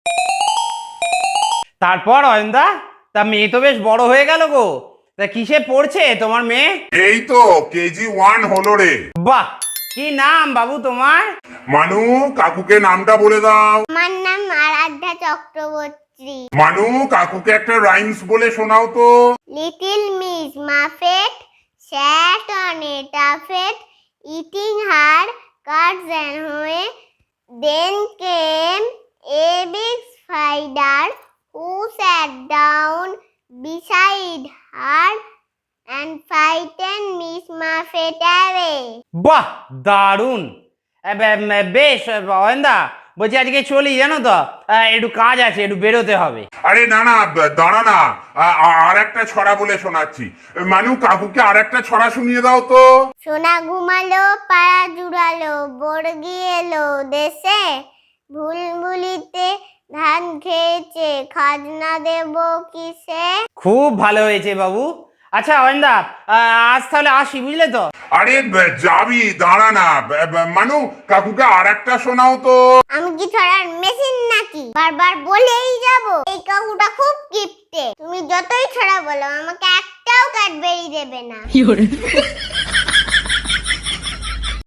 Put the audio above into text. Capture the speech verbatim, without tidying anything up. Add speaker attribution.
Speaker 1: তারপর অয়নদা, তা মেয়ে তো বেশ বড় হয়ে গেল গো। তা কিসে পড়ছে তোমার মেয়ে?
Speaker 2: এই তো কেজি ওয়ান হলো রে।
Speaker 1: বাহ, কি নাম বাবু তোমার?
Speaker 2: মানু, কাকুকে নামটা বলে দাও।
Speaker 3: আমার নাম আরাধ্যা চক্রবর্তী।
Speaker 2: মানু, কাকুকে একটা রাইমস বলে শোনাও তো।
Speaker 3: Little miss muffet sat on a tuffet eating her curds and whey. Then came a big spider who sat down beside her and frightened Miss Muffet away.
Speaker 1: বাহ, দারুণ। এ, বে- বে- বেশ অয়নদা, বলছি আজকে চলি, জানো তো আহ, একটু কাজ আছে, একটু বেরোতে হবে।
Speaker 2: আরে না না, দাঁড়া না, আ- আ- আর একটা ছড়া বলে শোনাচ্ছি। মানু, কাকুকে আর একটা ছড়া শুনিয়ে দাও তো।
Speaker 3: সোনা ঘুমালো পাড়া জুড়ালো বর্গি এলো দেশে ভুলভুলিতে ধান খেয়েছে খাজনা দেব কিসে।
Speaker 1: খুব ভালো হয়েছে বাবু। আচ্ছা অয়নদা, আহ, আজ তাহলে আসি, বুঝলে তো।
Speaker 2: আরে ব- যাবি, দাঁড়া না। ব- ব- মানু, কাকুকে আর একটা শোনাও তো।
Speaker 3: আমি কি ছড়ার মেশিন নাকি বারবার বলেই যাব? এই কাকুটা খুব কিপটে, তুমি যতই ছড়া বলো আমাকে একটাও ক্যাডবেরি দেবে না।